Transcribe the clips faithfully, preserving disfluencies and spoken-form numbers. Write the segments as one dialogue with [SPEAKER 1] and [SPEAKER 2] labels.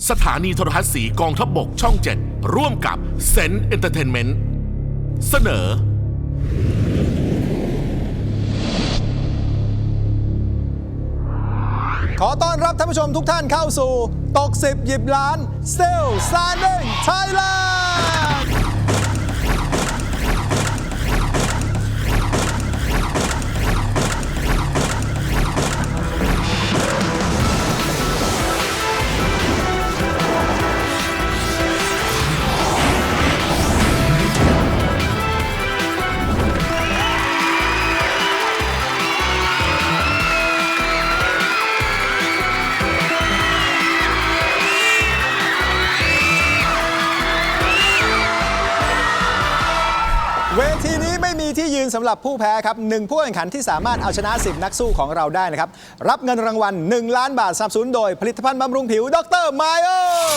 [SPEAKER 1] สถานีโทรทัศน์สีกองทัพบกช่องเจ็ดร่วมกับเซนเอนเตอร์เทนเมนต์เสนอ
[SPEAKER 2] ขอต้อนรับท่านผู้ชมทุกท่านเข้าสู่ตกสิบหยิบล้าน Still Standing Thailandเวทีนี้ไม่มีที่ยืนสำหรับผู้แพ้ครับหนึ่งผู้แข่งขันที่สามารถเอาชนะสิบนักสู้ของเราได้นะครับรับเงินรางวัลหนึ่งล้านบาทสนับสนุนโดยผลิตภัณฑ์บำรุงผิวดรไมโอ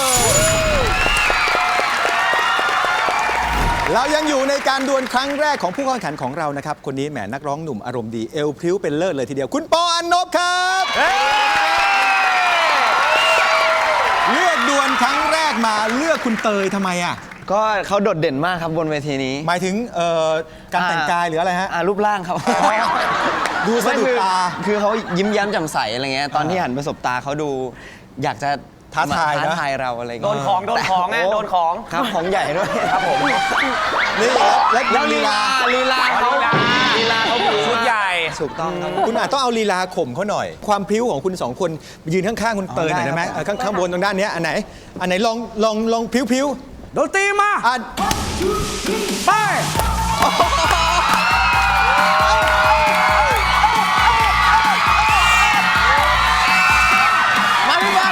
[SPEAKER 2] เรายังอยู่ในการดวลครั้งแรกของผู้แข่งขันของเรานะครับคนนี้แหมนักร้องหนุ่มอารมณ์ดีเอวพริ้วเป็นเลิศเลยทีเดียวคุณปออันนบครับเลือกดวลครั้งแรกมาเลือกคุณเตยทำไมอ่ะ
[SPEAKER 3] ก็เขาโดดเด่นมากครับบนเวทีนี้
[SPEAKER 2] หมายถึงการแต่งกายหรืออะไรฮะ
[SPEAKER 3] รูปร่างครับ
[SPEAKER 2] ดูสะดุดตา
[SPEAKER 3] คือเขายิ้มแย้มแจ่มใสอะไรเงี้ยตอนที่หันไปสบตาเขาดูอยากจะ
[SPEAKER 2] ท้าทาย
[SPEAKER 3] ท้าทายเราอะไรเงี้ย
[SPEAKER 4] โดนของโดนของไงโดนของ
[SPEAKER 3] ครับของใหญ่ด้วย
[SPEAKER 4] ครับผม
[SPEAKER 2] นี่แล้ว
[SPEAKER 3] ลีลาลีลาเขาลีลาเขา
[SPEAKER 4] ชุดใหญ่
[SPEAKER 3] ถูกต้องครับ
[SPEAKER 2] คุณอาจต้องเอาลีลาข่มเขาหน่อยความพริ้วของคุณสองคนยืนข้างๆคุณเตยหน่อยได้ไหมข้างข้างบนตรงด้านนี้อันไหนอันไหนลองลองลองพริ้วๆ
[SPEAKER 4] โดนตีมา
[SPEAKER 2] อ่ะ
[SPEAKER 4] ไป
[SPEAKER 2] มาดีกว่า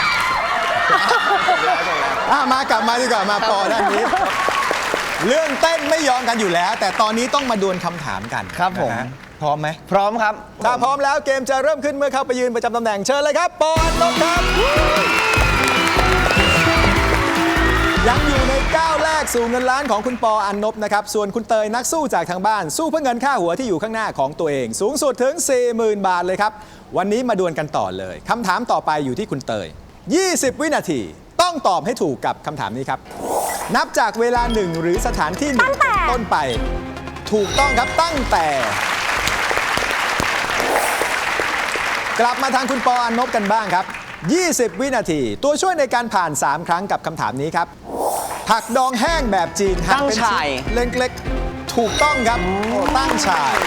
[SPEAKER 2] อ่ะมากลับมาดีกว่ามาปอด้านนี้เรื่องเต้นไม่ยอมกันอยู่แล้วแต่ตอนนี้ต้องมาดวลคำถามกัน
[SPEAKER 3] ครับผม
[SPEAKER 2] พร้อมไหม
[SPEAKER 3] พร้อมครับ
[SPEAKER 2] ถ้าพร้อมแล้วเกมจะเริ่มขึ้นเมื่อเข้าไปยืนประจำตำแหน่งเชิญเลยครับปออันนบครับยังอยู่ในก้าวแรกสู่เงินล้านของคุณปออันนบนะครับส่วนคุณเตยนักสู้จากทางบ้านสู้เพื่อเงินค่าหัวที่อยู่ข้างหน้าของตัวเองสูงสุดถึง สี่หมื่น บาทเลยครับวันนี้มาดวลกันต่อเลยคำถามต่อไปอยู่ที่คุณเตยยี่สิบวินาทีต้องตอบให้ถูกกับคำถามนี้ครับนับจากเวลาหนึ่งหรือสถานที่หนึ่งต้นไปถูกต้องครับตั้งแต่กลับมาทางคุณปออันนบกันบ้างครับยี่สิบวินาทีตัวช่วยในการผ่านสามครั้งกับคำถามนี้ครับผักดองแห้งแบบจีนหั่นเป็นชิ้นเล็กๆถูกต้องครับตั้งฉ่าย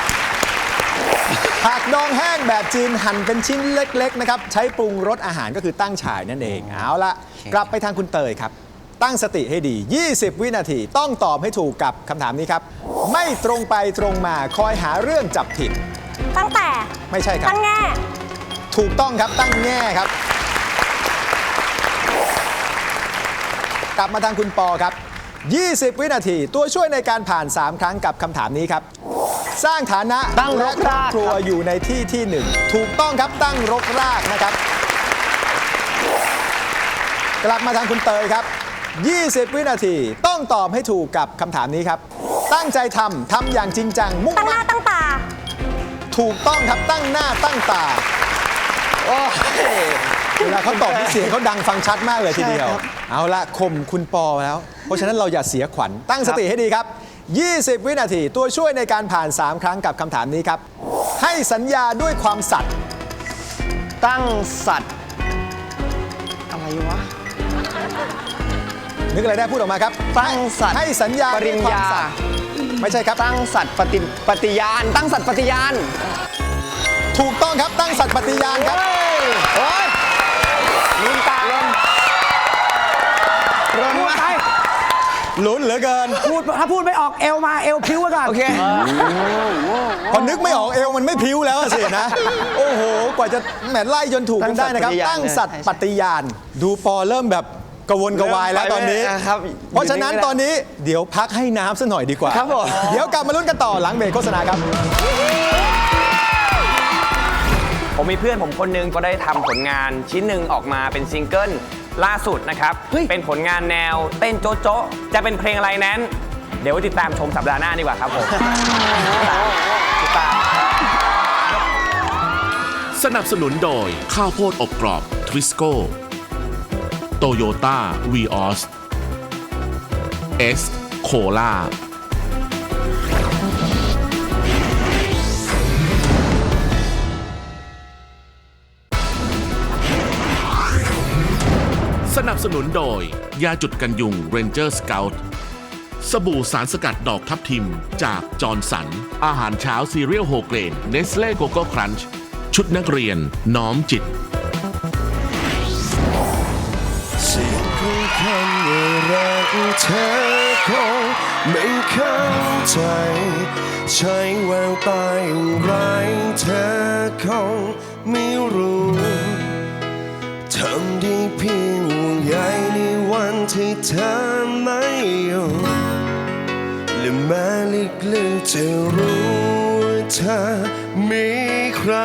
[SPEAKER 2] ผักดองแห้งแบบจีนหั่นเป็นชิ้นเล็กๆนะครับใช้ปรุงรสอาหารก็คือตั้งฉ่ายนั่นเองเอาละกลับไปทางคุณเตยครับตั้งสติให้ดียี่สิบวินาทีต้องตอบให้ถูกกับคำถามนี้ครับไม่ตรงไปตรงมาคอยหาเรื่องจับผิด
[SPEAKER 5] ตั้งแต่
[SPEAKER 2] ไม่ใช่ครับ
[SPEAKER 5] ตั้งแง่
[SPEAKER 2] ถูกต้องครับตั้งแง่ครับกลับมาทางคุณปอครับยี่สิบวินาทีตัวช่วยในการผ่านสามครั้งกับคำถามนี้ครับสร้างฐานะ
[SPEAKER 3] ตั้งรกราก
[SPEAKER 2] ครัวอยู่ในที่ที่หนึ่งถูกต้องครับตั้งรกรากนะครับกลับมาทางคุณเตยครับยี่สิบวินาทีต้องตอบให้ถูกกับคำถามนี้ครับตั้งใจทำทำอย่างจริงจังมุ่งมั่น
[SPEAKER 5] ตั้งหน้าตั้งตา
[SPEAKER 2] ถูกต้องครับตั้งหน้าตั้งตาโอ้เวลาเขาตอบเสียงเขาดังฟังชัดมากเลยทีเดียวเอาละข่มคุณปอแล้วเพราะฉะนั้นเราอย่าเสียขวัญตั้งสติให้ดีครับยี่สิบวินาทีตัวช่วยในการผ่านสามครั้งกับคำถามนี้ครับให้สัญญาด้วยความสัตย์
[SPEAKER 3] ตั้งสัตย์อะไรวะ
[SPEAKER 2] นึกอะไรได้พูดออกมาครับ
[SPEAKER 3] ตั้งสัตย์
[SPEAKER 2] ให้สัญญา
[SPEAKER 3] ปริญญา
[SPEAKER 2] ไม่ใช่ครับ
[SPEAKER 3] ตั้งสัตย์ปฏิปฏิญาณตั้งสัตย์ปฏิญาณ
[SPEAKER 2] ถูกต้องครับตั้งสัตย์ปฏิญาณครับ
[SPEAKER 3] โอ้ยลืมตาลมลมไป
[SPEAKER 2] ลุ้นเหลือเกิน
[SPEAKER 4] พูดถ้าพูดไม่ออกเอวมาเอวพิ้วกัน
[SPEAKER 3] โอเค
[SPEAKER 2] พอนึกไม่ออกเอวมันไม่พิ้วแล้วสินะโอ้โหกว่าจะแหมไล่จนถูกกันได้นะครับตั้งสัตย์ปฏิญาณดูปอเริ่มแบบกระวนกระวายแล้วตอนนี้เพราะฉะนั้นตอนนี้เดี๋ยวพักให้น้ำสักหน่อยดีกว่า
[SPEAKER 3] ครับผม
[SPEAKER 2] เดี๋ยวกลับมาลุ้นกันต่อหลังเบรกโฆษณาครับ
[SPEAKER 4] ผมมีเพื่อนผมคนนึงก็ได้ทำผลงานชิ้นหนึ่งออกมาเป็นซิงเกิลล่าสุดนะครับเป็นผลงานแนวเต้นโจ๊ะโจ๊ะจะเป็นเพลงอะไรนั้นเดี๋ยวติดตามชมสัปดาห์หน้าดีกว่าครับผมติดตาม
[SPEAKER 1] สนับสนุนโดยข้าวโพดอบกรอบทริสโก้ Toyota Vios S Cola สนับสนุนโดย ยาจุดกันยุง Ranger Scout สบู่สารสกัดดอกทับทิมจากจอร์นสัน อาหารเช้าซีเรียลโฮเกรนเนสเล่โกโก้ครันช์ชุดนักเรียนน้อมจิต
[SPEAKER 5] สิ่งของคำว่ารักเธอคงไม่เข้าใจใช้แววตาอย่างไรเธอคงไม่รู้ทำได้เพียงห่วงใยในวันที่เธอไม่อยู่และแม้ลึกๆจะรู้ว่าเธอมีใคร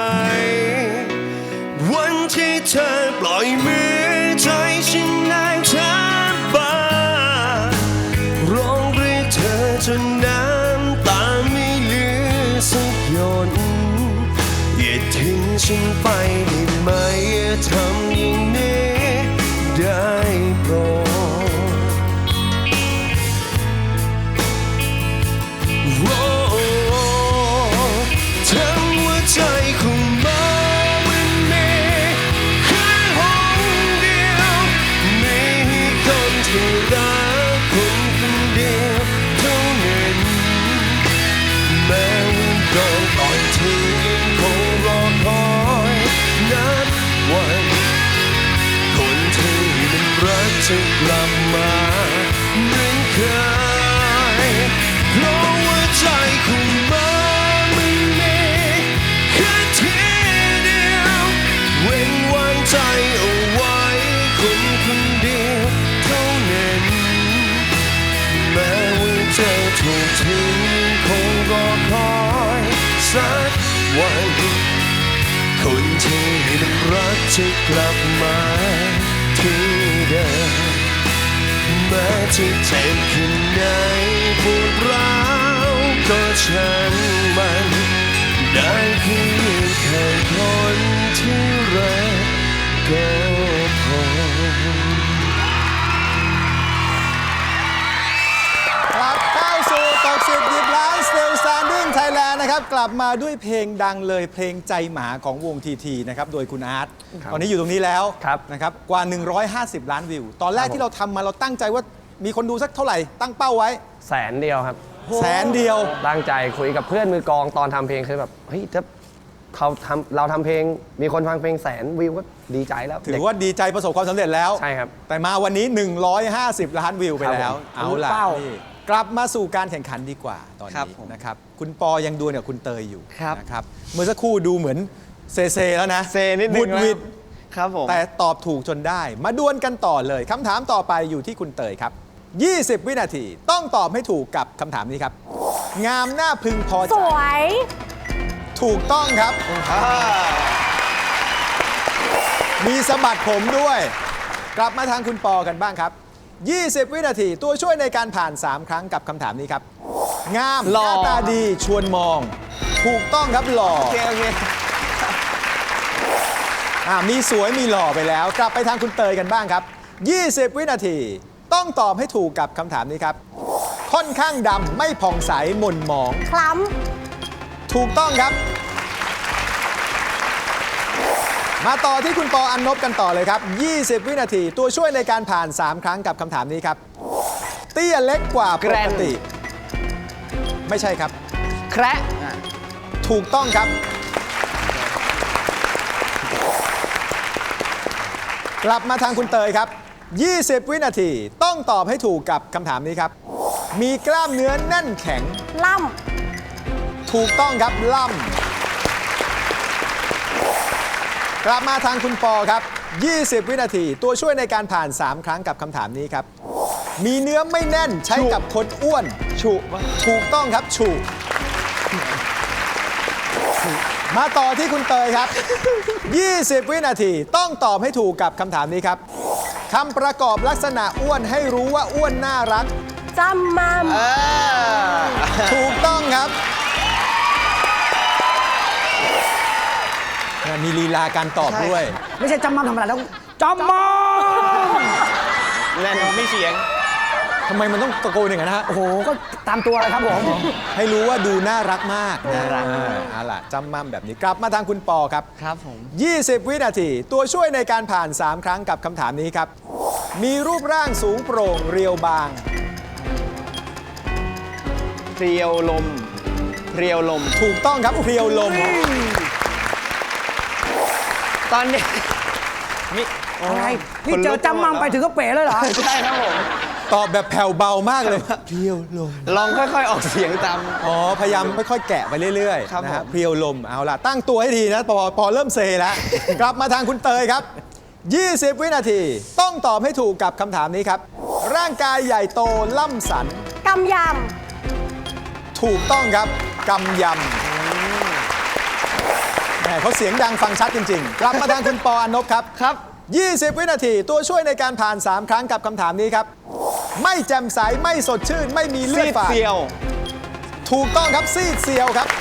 [SPEAKER 5] วันที่เธอปล่อยมือใจฉันนางเธอบ้าร้องเรียกเธอจนน้ำตาไม่เหลือสักหยดอย่าทิ้งฉันไปได้ไหมอย่าทำอย่างนี้ได้โปรดโอ้ทั้งหัวใจของมันรักคนคนเดียวเท่านั้นแม้ว่าโดนปล่อยทิ้งยังคงรอคอยนับวันคนที่มันรักจะกลับมาเหมือนเคยเพราะว่าใจของมันมันมีแค่ทีเดียวเว้นวางใจเอาไว้คนคนเดียวแม้ว่าเธอถูกทิ้งคงรอคอยสักวันคนที่มันรักจะกลับมาที่เดิมแม้จะเจ็บแค่ไหนปวดร้าวก็ช่างมันได้เพียงแค่คนที่รักก็พอ
[SPEAKER 2] กลับเข้าสู่ตกสิบหยิบล้าน Still Standing Thailand นะครับกลับมาด้วยเพลงดังเลยเพลงใจหมาของวงทีทีนะครับโดยคุณอาร์ตตอนนี้อยู่ตรงนี้แล้ว
[SPEAKER 4] ครับ
[SPEAKER 2] นะครับกว่า หนึ่งร้อยห้าสิบ ล้านวิว ตอนแรกที่เราทำมาเราตั้งใจว่ามีคนดูสักเท่าไหร่ตั้งเป้าไว้
[SPEAKER 3] แสนเดียวครับ
[SPEAKER 2] แสนเดียว
[SPEAKER 3] ตั้งใจคุยกับเพื่อนมือกลองตอนทำเพลงคือแบบเฮ้ยถ้าเขาทำเราทำเพลงมีคนฟังเพลงแสนวิวก็ดีใจแล้ว
[SPEAKER 2] ถือว่าดีใจประสบความสำเร็จแล้ว
[SPEAKER 3] ใช่ครับ
[SPEAKER 2] แต่มาวันนี้ หนึ่งร้อยห้าสิบ ล้านวิวไปแล้ว
[SPEAKER 3] ครับผม
[SPEAKER 2] เอาล่ะ
[SPEAKER 3] เป้า
[SPEAKER 2] นี่กลับมาสู่การแข่งขันดีกว่าตอน
[SPEAKER 3] ครับ
[SPEAKER 2] นี้
[SPEAKER 3] ผม
[SPEAKER 2] นะครับคุณปอยังดวลกับคุณเตยอยู่
[SPEAKER 3] ครับ
[SPEAKER 2] นะครับเมื่อสักครู่ดูเหมือนเซเซแล้วนะ
[SPEAKER 3] เซนิดนึง
[SPEAKER 2] บุดหวิด
[SPEAKER 3] ครับผม
[SPEAKER 2] แต่ตอบถูกจนได้ มาดวลกันต่อเลยคำถามต่อไปอยู่ที่คุณเตยครับ ยี่สิบ วินาทีต้องตอบให้ถูกกับคำถามนี้ครับ งามหน้าพึงพอใจ
[SPEAKER 6] สวย
[SPEAKER 2] ถูกต้องครับ มีสะบัดผมด้วย กลับมาทางคุณปอกันบ้างครับ ยี่สิบ วินาทีตัวช่วยในการผ่าน สาม ครั้งกับคำถามนี้ครับ งามห
[SPEAKER 3] หล่อ
[SPEAKER 2] น้าตาดีชวนมอง ถูกต้องครับหล่อ
[SPEAKER 3] โอเคโอเค
[SPEAKER 2] อ่ามีสวยมีหล่อไปแล้ว กลับไปทางคุณเตยกันบ้างครับ ยี่สิบ วินาทีต้องตอบให้ถูกกับคำถามนี้ครับ ค่อนข้างดำไม่ผ่องใสหม่นหมอง
[SPEAKER 6] คล้
[SPEAKER 2] ถูกต้องครับ มาต่อที่คุณปออันนบกันต่อเลยครับ ยี่สิบ วินาทีตัวช่วยในการผ่าน สาม ครั้งกับคำถามนี้ครับ เตี้ยเล็กกว่าปกติ ไม่ใช่ครับ
[SPEAKER 3] แคระ
[SPEAKER 2] ถูกต้องครับ กลับมาทางคุณเตยครับ ยี่สิบ วินาทีต้องตอบให้ถูกกับคำถามนี้ครับ มีกล้ามเนื้อแน่นแข็ง
[SPEAKER 6] ำล่
[SPEAKER 2] ถูกต้องครับล่ำกลับมาทางคุณปอครับ ยี่สิบ วินาทีตัวช่วยในการผ่าน สาม ครั้งกับคำถามนี้ครับ มีเนื้อไม่แน่นใช้กับคนอ้วน
[SPEAKER 3] ฉุ
[SPEAKER 2] ถูกต้องครับฉุมาต่อที่คุณเตยครับ ยี่สิบ วินาทีต้องตอบให้ถูกกับคำถามนี้ครับคำประกอบลักษณะอ้วนให้รู้ว่าอ้วนน่ารัก
[SPEAKER 6] ำจำมั่ม
[SPEAKER 2] ถูกต้องครับ มีลีลาการตอบด้วย
[SPEAKER 7] ไม่ใช่จำมั่มธรรมดาแล้วจำมั่ม
[SPEAKER 4] นมีเสียง
[SPEAKER 2] ทำไมมันต้องตะโกนอย่างนั้นนะฮะ
[SPEAKER 3] โอ้โห ก็ตามตัวเลยครับผม
[SPEAKER 2] ให้รู้ว่าดูน่ารักมากนะอ่าเอาล่ะจำมั่มแบบนี้กลับมาทางคุณปอครับ
[SPEAKER 6] ครับผม
[SPEAKER 2] ยี่สิบ วินาที ตัวช่วยในการผ่าน สาม ครั้งกับคำถามนี้ครับ มีรูปร่างสูงโปร่งเรียวบาง
[SPEAKER 6] เพรียวลม เพรียวลม
[SPEAKER 2] ถูกต้องครับเพรียวลม
[SPEAKER 6] ตอนนี้
[SPEAKER 4] มี
[SPEAKER 3] อะไรนี่เจอจำมั่มไปถึงก็เป๋เลยเหรอ
[SPEAKER 6] ใช่ครับผม
[SPEAKER 2] ตอบแบบแผ่วเบามากเลยเพรียวลม
[SPEAKER 6] ลองค่อยๆออกเสียงตาม
[SPEAKER 2] อ๋อ พยายามค่อยๆแกะไปเรื่อย
[SPEAKER 6] ครับ
[SPEAKER 2] ๆนะฮะ
[SPEAKER 6] ผม
[SPEAKER 2] เพรียวลมเอาล่ะ ตั้งตัวให้ดีนะปอปอเริ่มเซแล้ว กลับมาทางคุณเตยครับ ยี่สิบ วินาที ต้องตอบให้ถูกกับคำถามนี้ครับ ร่างกายใหญ่โตล่ำสัน
[SPEAKER 7] กำย
[SPEAKER 2] ถูกต้องครับกำยำแหมเขาเสียงดังฟังชัดจริงๆ กลับมาทางคุณปออนบครับ
[SPEAKER 6] ครับ
[SPEAKER 2] ยี่สิบ วินาที ตัวช่วยในการผ่าน สาม ครั้งกับคำถามนี้ครับ ไม่แจ่มใส ไม่สดชื่น ไม่มีเลื
[SPEAKER 6] ซี
[SPEAKER 2] อด
[SPEAKER 6] ด
[SPEAKER 2] ฝาด
[SPEAKER 6] เซียว
[SPEAKER 2] ถูกต้องครับซีดเซียวครับ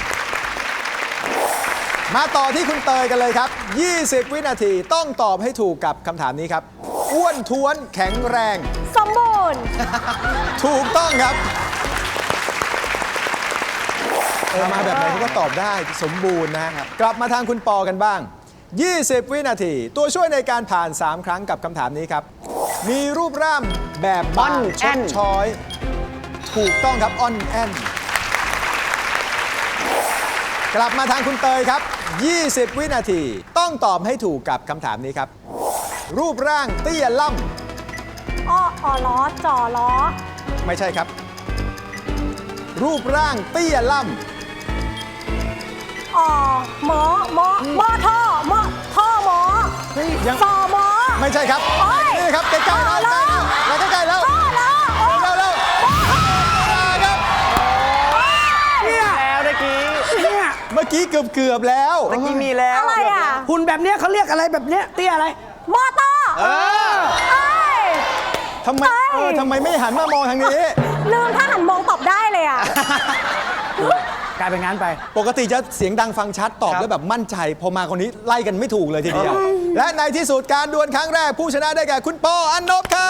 [SPEAKER 2] มาต่อที่คุณเตยกันเลยครับ ยี่สิบ วินาทีต้องตอบให้ถูกกับคำถามนี้ครับ อ้วนท้วนแข็งแรง
[SPEAKER 7] ำสมบูรณ์
[SPEAKER 2] ถูกต้องครับเออมาแบบไหนเขาก็ตอบได้สมบูรณ์นะครับ กลับมาทางคุณปอกันบ้าง ยี่สิบ วินาที ตัวช่วยในการผ่าน สาม ครั้งกับคำถามนี้ครับ มีรูปร่างแบบบาง
[SPEAKER 3] อ่อน
[SPEAKER 2] ช
[SPEAKER 3] แอ่
[SPEAKER 2] ด
[SPEAKER 3] น
[SPEAKER 2] ช้อย ถูกต้องครับอ่อนแอนกลับมาทางคุณเตยครับ ยี่สิบ วินาที ต้องตอบให้ถูกกับคำถามนี้ครับ รูปร่างเตี้ยล่
[SPEAKER 7] อ้อออล้อจ่อล้อ
[SPEAKER 2] ำไม่ใช่ครับ รูปร่างเตี้ยล่
[SPEAKER 7] อ่อหมอหมอหมอท่อหมอท่อหมอ
[SPEAKER 2] ำยัง
[SPEAKER 7] ซอหมอ
[SPEAKER 2] ไม่ใช่ครับ
[SPEAKER 7] โอ๊ย
[SPEAKER 2] นี่ครับใกล้ๆแล้ว
[SPEAKER 7] ต่อแล้ว
[SPEAKER 2] แล้วใกล้ๆแล้ว
[SPEAKER 7] ท่อล้อโอ้
[SPEAKER 2] เร็วๆเร็วๆครับ
[SPEAKER 3] เนี่ย
[SPEAKER 4] แล้วเมื่อกี้
[SPEAKER 3] เนี่ย
[SPEAKER 2] เมื่อกี้เกือบเกือบๆแล้ว
[SPEAKER 4] เมื่อกี้มีแล้ว
[SPEAKER 7] อะไรอ่ะ
[SPEAKER 3] หุ่นแบบเนี้ยเขาเรียกอะไรแบบเนี้ยเตี้ยอะไร
[SPEAKER 7] มอเตอร์เอ้ย
[SPEAKER 2] ทำไม
[SPEAKER 7] เอ้ย
[SPEAKER 2] เออทำไมไม่หันมามองทางนี้
[SPEAKER 7] ลืมถ้าหันมองตอบได้เลยอ่ะ
[SPEAKER 3] กลายเป็นงั้นไป
[SPEAKER 2] ปกติจะเสียงดังฟังชัดตอบแล้วแบบมั่นใจ พอมาคนนี้ไล่กันไม่ถูกเลยทีเดียว และในที่สุดการดวลครั้งแรกผู้ชนะได้แก่คุณปออันนบครับ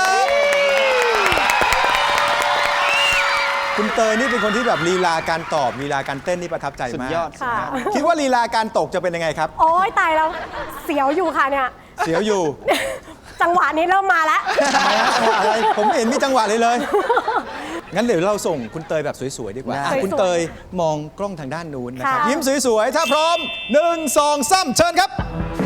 [SPEAKER 2] คุณเตยนี่เป็นคนที่แบบลีลาการตอบลีลาการเต้นนี่ประทับใจ
[SPEAKER 6] สุด
[SPEAKER 2] มาก
[SPEAKER 6] ยอด
[SPEAKER 7] ค่ะ
[SPEAKER 2] คิดว่าลีลาการตกจะเป็นยังไงครับ
[SPEAKER 7] โอ้ยตายแล้ว เสียวอยู่ค่ะเนี่ย
[SPEAKER 2] เสียวอยู่
[SPEAKER 7] จังหวะนี้เริ่มมาแล้ว
[SPEAKER 2] ทำไมฮะจังหวะอะไรผมไม่เห็นมีจังหวะเลยเลย งั้นเดี๋ยวเราส่งคุณเตยแบบสวยๆดีกว่าอ่ะ
[SPEAKER 7] สวยๆ
[SPEAKER 2] คุณเตยมองกล้องทางด้านนู้นนะครับ
[SPEAKER 7] ค่ะ
[SPEAKER 2] ยิ้มสวยๆ ถ้าพร้อมหนึ่งสองสามเชิญครับ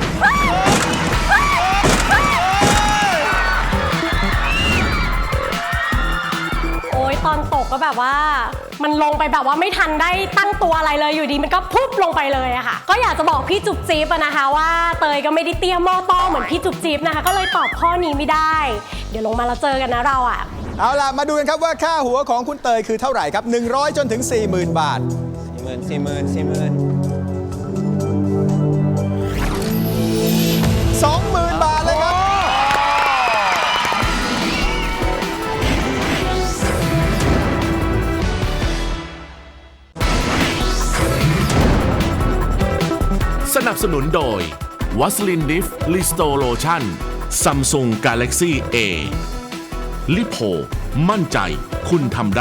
[SPEAKER 7] โอ้ยตอนตกก็แบบว่า มันลงไปแบบว่าไม่ทันได้ตั้งตัวอะไรเลยอยู่ดีมันก็พุบลงไปเลยอะค่ะ ก็อยากจะบอกพี่จุ๊บจิ๊บอะนะคะว่าเตยก็ไม่ได้เตี้ยหม้อต้อเหมือนพี่จุ๊บจิ๊บนะคะ ก็เลยตอบข้อนี้ไม่ได้ เดี๋ยวลงมาเราเจอกันนะเราอะ
[SPEAKER 2] เอาล่ะ มาดูกันครับว่าค่าหัวของคุณเตยคือเท่าไหร่ครับ หนึ่งร้อยจนถึง สี่หมื่น บาท
[SPEAKER 6] สี่หมื่นสี่หมื่นสี่หมื่น
[SPEAKER 2] สองหมื่น บาทเลยครับ
[SPEAKER 1] สนับสนุนโดยวัสลินดิฟลิสโตโลชั่นซัมซุงกาแล็กซี่เอลิโพมั่นใจคุณทำได้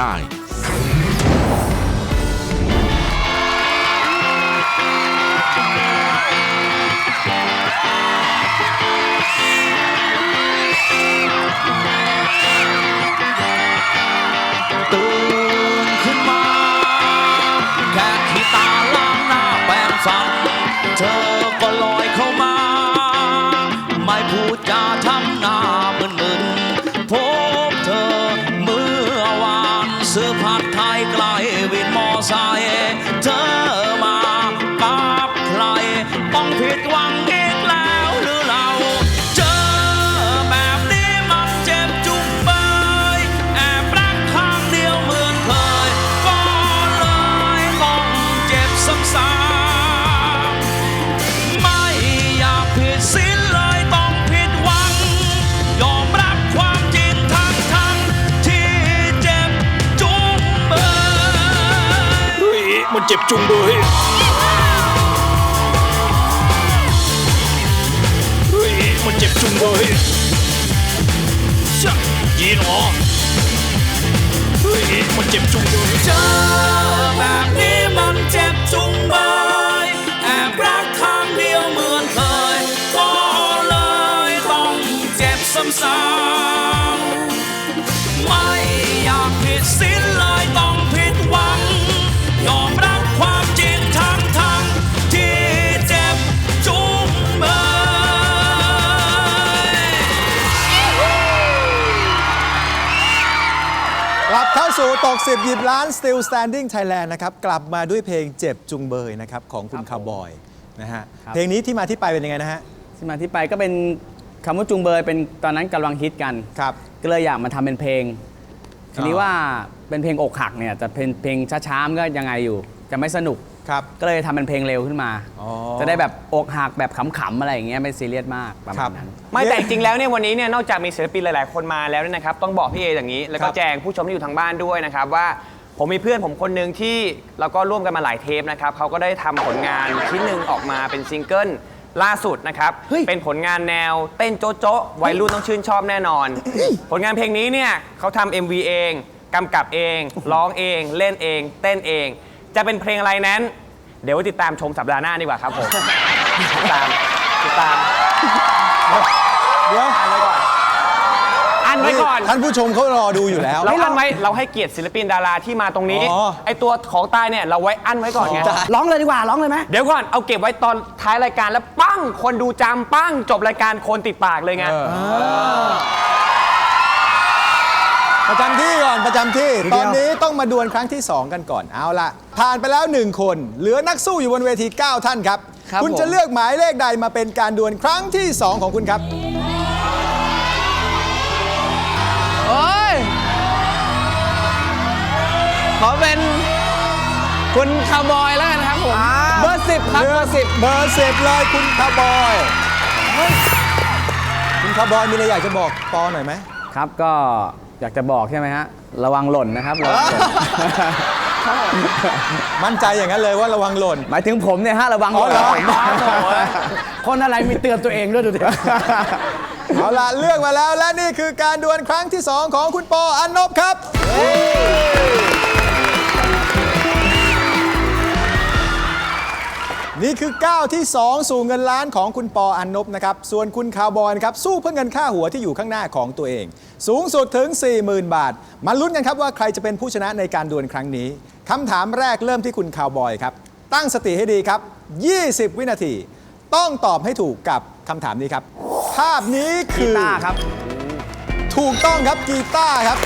[SPEAKER 8] ตื่นขึ้นมาแค่ที่ตาล้างหน้าแปรงฟันเธอก็ลอยเข้ามา ไม่พูดจาทำหน้ามึนๆพบเธอเมื่อวานซื้อผัดไทยไกลวินมอไซค์เธอมากับใครต้องผิดหวังอีกแล้วหรือเราเจอแบบนี้มันเจ็บจุงเบยแอบรักข้างเดียวเหมือนเคยก็เลยต้องเจ็บซ้ำๆไม่อยากผิดศีลเลยต้องผิดหวังยอมรับความจริงทั้งทั้งๆที่เจ็บจุงเบย
[SPEAKER 5] เฮ้ยมันเจ็บจุงเบยเฮ้ยมันเจ็บจุงเบยชะ
[SPEAKER 8] นี้เนาะเฮ้ยมันเจ็บจุงเลยเจอแบบนี้มันเจ็บจุงเบยแอบรักครั้งเดียวเหมือนเคยก็เลยต้องเจ็บซ้ำๆไม่อยากผิดศีลเลยต้องผิดหวังยอมรับความจริงทั้งทั้งที่เจ็บจุงเบย
[SPEAKER 2] กลับเข้าสู่ตกสิบหยิบล้าน Still Standing Thailand นะครับกลับมาด้วยเพลงเจ็บจุงเบยนะครับของคุณคาวบอยนะฮะเพลงนี้ที่มาที่ไปเป็นยังไงนะฮะ
[SPEAKER 9] ที่มาที่ไปก็เป็นคำว่าจุงเบยเป็นตอนนั้นกำลังฮิตกัน
[SPEAKER 2] ครับ
[SPEAKER 9] ก็เลยอยากมาทำเป็นเพลงทีนี้ว่าเป็นเพลงอกหักเนี่ยจะเป็นเพลงช้าๆมันก็ยังไงอยู่จะไม่สนุก
[SPEAKER 2] ครับ
[SPEAKER 9] ก็เลยทำเป็นเพลงเร็วขึ้นมา
[SPEAKER 2] อ๋อ
[SPEAKER 9] จะได้แบบอกหักแบบขำๆอะไรอย่างเงี้ยไม่ซีเรียสมากประ
[SPEAKER 2] ครั
[SPEAKER 9] มาณ
[SPEAKER 2] บ
[SPEAKER 9] นั้น
[SPEAKER 4] ไม่แต่จริงๆแล้วเนี่ยวันนี้เนี่ยนอกจากมีศิลปินหลายๆคนมาแล้วเนี่ยนะครับต้องบอกพี่เออย่างนี้ แล้วก็
[SPEAKER 2] ครับ
[SPEAKER 4] แจ้งผู้ชมที่อยู่ทางบ้านด้วยนะครับว่าผมมีเพื่อนผมคนหนึ่งที่เราก็ร่วมกันมาหลายเทปนะครับเขาก็ได้ทำผลงานชิ้นหนึ่งออกมาเป็นซิงเกิลล่าสุดนะครับเป็นผลงานแนวเต้นโจ๊ะโจ๊ะวัยรุ่นต้องชื่นชอบแน่นอน ผลงานเพลงนี้เนี่ยเขาทำ เอ็ม วี เองกำกับเองร้องเองเล่นเองเต้นเอง จะเป็นเพลงอะไรนั้น เดี๋ยวติดตามชมสัปดาห์หน้าดีกว่าครับผมติดตามติดตาม
[SPEAKER 2] เดี๋ยว
[SPEAKER 4] อันไว้ก่อนอันไว้ก่อน
[SPEAKER 2] ท่านผู้ชมเขารอดูอยู่แล้ว
[SPEAKER 4] เราอันไว้เราให้เกียรติศิลปินดาราที่มาตรงนี้
[SPEAKER 2] อ๋อ
[SPEAKER 4] ไอตัวของตายเนี่ยเราไว้อันไว้ก่อนไง
[SPEAKER 9] ร้องเลยดีกว่าร้องเลยไหม
[SPEAKER 4] เดี๋ยวก่อนเอาเก็บไว้ตอนท้ายรายการแล้วปั้งคนดูจำปั้งจบรายการคนติดปากเลยไง
[SPEAKER 2] ประจำที่ก่อนประจำที่ ตอนนี้ต้องมาดวลครั้งที่ สอง กันก่อนเอาละผ่านไปแล้ว หนึ่ง คน เหลือนักสู้อยู่บนเวที เก้า ท่านครับ
[SPEAKER 6] ครับ
[SPEAKER 2] คุณ
[SPEAKER 6] ผม
[SPEAKER 2] จะเลือกหมายเลขใดมาเป็นการดวลครั้งที่ สอง ของคุณครับ
[SPEAKER 6] โอ้ย ขอเป็นคุณคาวบอยแล้วกันครับผม เบอร์สิบครับ เบอร์สิบ
[SPEAKER 2] เบอร์สิบเลยคุณคาวบอยคุณคาวบอยมีอะไรอยากจะบอกปอหน่อยไหม
[SPEAKER 9] ครับก็อยากจะบอกใช่ไหมฮะระวังหล่นนะครับระวังหล่น
[SPEAKER 2] มั่นใจอย่างนั้นเลยว่าระวังหล่น
[SPEAKER 9] หมายถึงผมเนี่ยฮะระวังหล่น
[SPEAKER 2] อ๋อเหรอ
[SPEAKER 9] คนอะไรมีเตือนตัวเองด้วยดูดิ
[SPEAKER 2] เอาละเลือกมาแล้วและนี่คือการดวลครั้งที่ สอง ของคุณปออันนบครับ นี่คือก้าวที่ สอง สู่เงินล้านของคุณปออันนบนะครับส่วนคุณคาวบอยนะครับสู้เพื่อเงินค่าหัวที่อยู่ข้างหน้าของตัวเอง สูงสุดถึง สี่หมื่น บาทมาลุ้นกันครับว่าใครจะเป็นผู้ชนะในการดวลครั้งนี้คำถามแรกเริ่มที่คุณคาวบอยครับตั้งสติให้ดีครับ ยี่สิบ วินาที ต้องตอบให้ถูกกับคำถามนี้ครับ ภาพนี้คือ
[SPEAKER 9] กีตาร์ครับ
[SPEAKER 2] ถูกต้องครับกีตาร์ครับ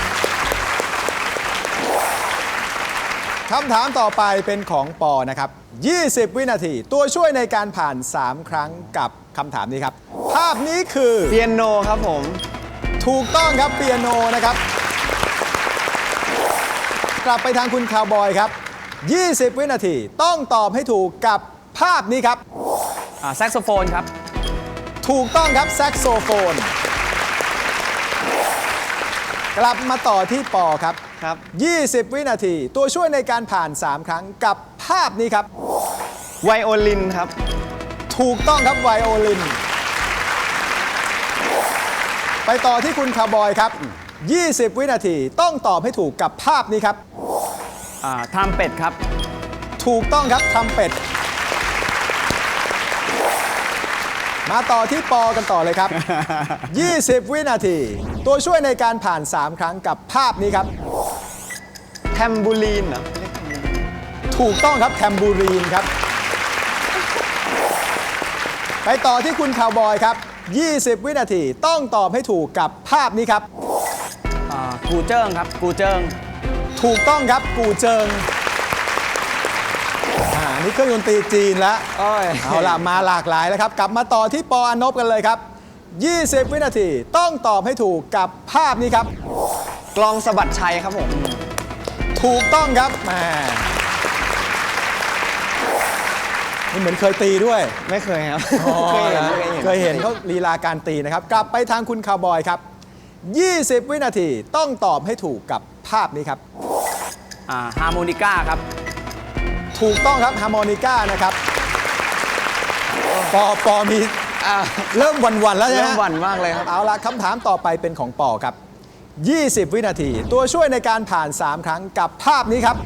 [SPEAKER 2] คำถามต่อไปเป็นของปอนะครับ ยี่สิบ วินาที ตัวช่วยในการผ่าน สาม ครั้งกับคำถามนี้ครับ ภาพนี้คือ
[SPEAKER 6] เปียโนครับผม
[SPEAKER 2] ถูกต้องครับเปียโนนะครับ กลับไปทางคุณคาวบอยครับ ยี่สิบ วินาที ต้องตอบให้ถูกกับภาพนี้ครับ
[SPEAKER 9] อ่าแซกโซโฟนครับ
[SPEAKER 2] ถูกต้องครับแซกโซโฟน กลับมาต่อที่ปอครับ
[SPEAKER 6] ครับ
[SPEAKER 2] ยี่สิบ วินาที ตัวช่วยในการผ่าน สาม ครั้งกับภาพนี้ครับ
[SPEAKER 6] ไวโอลินครับ
[SPEAKER 2] ถูกต้องครับไวโอลิน ไปต่อที่คุณคาวบอยครับ ยี่สิบ วินาที ต้องตอบให้ถูกกับภาพนี้ครับ
[SPEAKER 9] อ่าทำเป็ดครับ
[SPEAKER 2] ถูกต้องครับทำเป็ด มาต่อที่ปอกันต่อเลยครับ ยี่สิบ วินาที ตัวช่วยในการผ่าน สาม ครั้งกับภาพนี้ครับ
[SPEAKER 6] แทมบูลีนเหรอ
[SPEAKER 2] ถูกต้องครับแทมบูรีนครับ ไปต่อที่คุณคาวบอยครับ ยี่สิบ วินาที ต้องตอบให้ถูกกับภาพนี้ครับ
[SPEAKER 9] อ่ากูเจิ้งครับ กูเจิ้ง
[SPEAKER 2] ถูกต้องครับกูเจิงอ่านี่เครื่องดนตรีจีนแล้ว
[SPEAKER 6] โอ้ย
[SPEAKER 2] เอาล่ะมาหลากหลายแล้วครับ กลับมาต่อที่ปออันนบกันเลยครับ ยี่สิบ วินาที ต้องตอบให้ถูกกับภาพนี้ครับ
[SPEAKER 6] กลองสะบัดชัยครับผม
[SPEAKER 2] ถูกต้องครับแหมนี่เหมือนเคยตีด้วย
[SPEAKER 6] ไม่เคยครับ
[SPEAKER 2] อ๋อ
[SPEAKER 6] เคยเห็น
[SPEAKER 2] นะ
[SPEAKER 6] เคยเห็น
[SPEAKER 2] เคยเห็นเขาลีลาการตีนะครับ กลับไปทางคุณคาวบอยครับ ยี่สิบ วินาที ต้องตอบให้ถูกกับภาพนี้ครับ
[SPEAKER 9] อ่าฮาร์โมนิก้าครับ
[SPEAKER 2] ถูกต้องครับฮาร์โมนิก้านะครับปอปอมี
[SPEAKER 6] อ่า
[SPEAKER 2] เริ่มหวันๆแล้วใช่ไหม
[SPEAKER 6] เริ่มหวั่นมากเลยครับ
[SPEAKER 2] เอาละคำถามต่อไปเป็นของปอครับยี่สิบ วินาที ตัวช่วยในการผ่าน สาม ครั้งกับภาพนี้ครับ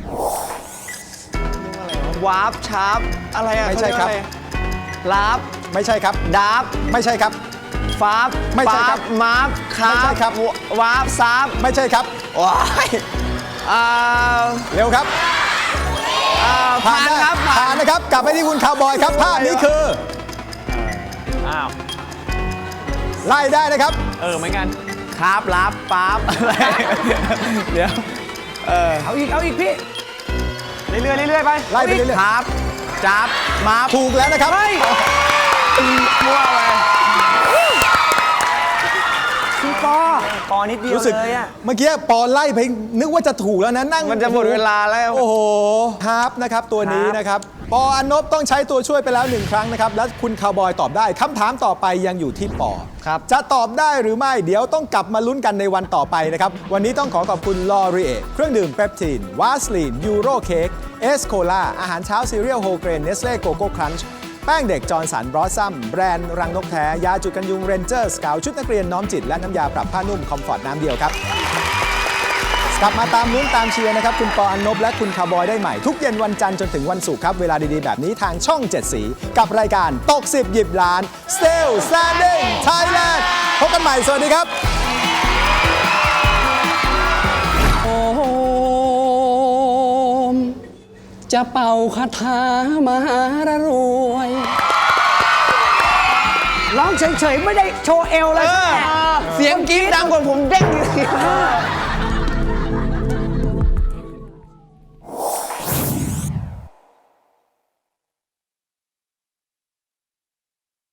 [SPEAKER 6] วาร์ปชาร์ปอะไรอะ
[SPEAKER 2] ไม่ใช่ครับ
[SPEAKER 6] ลาบ
[SPEAKER 2] ไม่ใช่ครับ
[SPEAKER 6] ดาร์ฟ
[SPEAKER 2] ไม่ใช่ครับ
[SPEAKER 6] ฟาร์ฟ
[SPEAKER 2] ไม่ใช่ครับ
[SPEAKER 6] มาร์ฟคา
[SPEAKER 2] ไม่ใช่ครับ
[SPEAKER 6] วาร์ปซาร์ฟ
[SPEAKER 2] ไม่ใช่ครับ
[SPEAKER 6] ว้ายอ่า
[SPEAKER 2] เร็วครับ
[SPEAKER 6] อ่าผ่าน
[SPEAKER 2] ได้
[SPEAKER 6] ครับ
[SPEAKER 2] ผ่านนะครับ กลับไปที่คุณคาวบอยครับ ภาพนี้คือ
[SPEAKER 4] อ้าว
[SPEAKER 2] ไล่ได้นะครับ
[SPEAKER 4] เออเหมือนกัน
[SPEAKER 6] ครับลาบฟาร์ฟอะไรเดี๋ยว
[SPEAKER 3] เอาอีก เอาอีกพี่
[SPEAKER 4] เรื่อยๆเรื่อยๆไป
[SPEAKER 2] ไล่ไปเรื่อย
[SPEAKER 6] ครับจับมาร์ฟ
[SPEAKER 2] ๆถูกแล้วนะครับ
[SPEAKER 6] มั่วไป
[SPEAKER 4] ปอปอนิดเดียว
[SPEAKER 2] รู้สึก
[SPEAKER 4] เลยอะ
[SPEAKER 2] เมื่อกี้ปอไล่ไปนึกว่าจะถูกแล้วนะนั่ง
[SPEAKER 6] มันจะหมดเวลาแล้ว
[SPEAKER 2] โอ้โหฮาร์ปนะครับตัวนี้นะครับ ปออันนบต้องใช้ตัวช่วยไปแล้วหนึ่งครั้งนะครับ และคุณคาวบอยตอบได้คำถามต่อไปยังอยู่ที่ปอ
[SPEAKER 6] ครับ
[SPEAKER 2] จะตอบได้หรือไม่เดี๋ยวต้องกลับมาลุ้นกันในวันต่อไปนะครับ วันนี้ต้องขอขอบคุณลอรีเอเครื่องดื่มเปปทีนวาสลีนยูโรเค้กเอสโคลาอาหารเช้าซีเรียลโฮเกรนเนสเล่โกโก้ครันช์แป้งเด็กจอร์นสันบรอสซัมแบรนด์รังนกแท้ยาจุดกันยุงเรนเจอร์สกาวชุดนักเรียนน้อมจิตและน้ำยาปรับผ้านุ่มคอมฟอร์ตน้ำเดียวครับ กลับมาตามลุ้นตามเชียร์นะครับ คุณปออันนบและคุณคาร์บอยได้ใหม่ ทุกเย็นวันจันทร์จนถึงวันศุกร์ครับ เวลาดี ๆ แบบนี้ทางช่อง เจ็ด สี กับรายการตกสิบหยิบล้าน Still Standing Thailand พบกันใหม่ สวัสดีครับ
[SPEAKER 10] โอมจะเป่าคาถามหารรวย
[SPEAKER 6] ร้องเฉยๆ ไม่ได้โชว์เอวเลย
[SPEAKER 10] เสียงกรี๊ดดังกว่าผมเด้งอยู่